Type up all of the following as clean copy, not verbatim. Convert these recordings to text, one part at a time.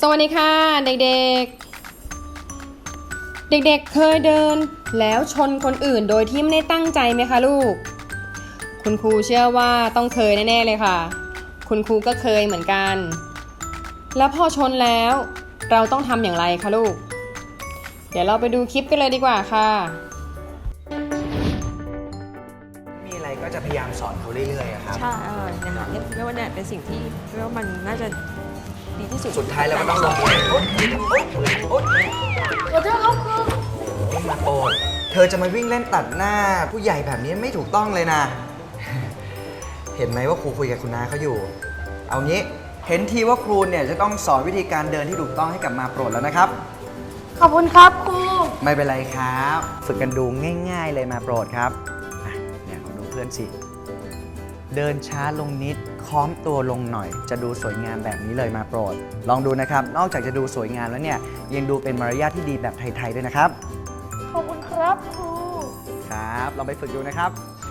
สวัสดีค่ะเด็กๆเด็กๆเคยเดินแล้วชนคนอื่นโดยที่ไม่ได้ตั้งใจไหมคะลูกคุณครูเชื่อว่าต้องเคยแน่ๆเลยค่ะคุณครูก็เคยเหมือนกันแล้วพอชนแล้วเราต้องทำอย่างไรคะลูกเดี๋ยวเราไปดูคลิปกันเลยดีกว่าค่ะมีอะไรก็จะพยายามสอนเขาเรื่อยๆครับใช่นะคะเรียกว่าเนี่ยเป็นสิ่งที่เรียกว่ามันน่าจะดีที่สุดสุดท้ายเราก็ต้องลงมือโอ๊ยโอ๊ยขอโทษครับครูมาโปรดเธอจะมาวิ่งเล่นตัดหน้าผู้ใหญ่แบบนี้ไม่ถูกต้องเลยนะ เห็นไหมว่าครูคุยกับคุณน้าเขาอยู่ เอางี้เห็นทีว่าครูเนี่ยจะต้องสอนวิธีการเดินที่ถูกต้องให้กับมาโปรดแล้วนะครับขอบคุณครับครูไม่เป็นไรครับ ฝึกกันดูง่ายๆเลยมาโปรดครับเนี่ยลองดูเพื่อนสิเดินช้าลงนิดค้อมตัวลงหน่อยจะดูสวยงามแบบนี้เลยมาโปรดลองดูนะครับนอกจากจะดูสวยงามแล้วเนี่ยยังดูเป็นมารยาทที่ดีแบบไทยๆด้วยนะครับขอบคุณครับครูครับลองไปฝึกดูนะครับ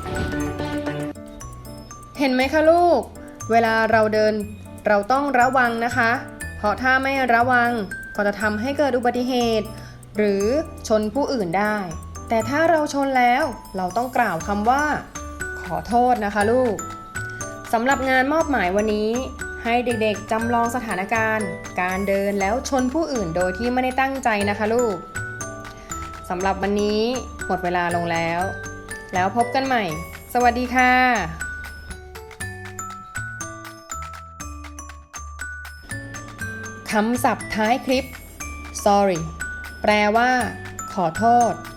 เห็นไหมคะลูกเวลาเราเดินเราต้องระวังนะคะเพราะถ้าไม่ระวังก็จะทำให้เกิดอุบัติเหตุหรือชนผู้อื่นได้แต่ถ้าเราชนแล้วเราต้องกล่าวคำว่าขอโทษนะคะลูกสำหรับงานมอบหมายวันนี้ให้เด็กๆจำลองสถานการณ์การเดินแล้วชนผู้อื่นโดยที่ไม่ได้ตั้งใจนะคะลูกสำหรับวันนี้หมดเวลาลงแล้วพบกันใหม่สวัสดีค่ะคำศัพท์ท้ายคลิป sorry แปลว่าขอโทษ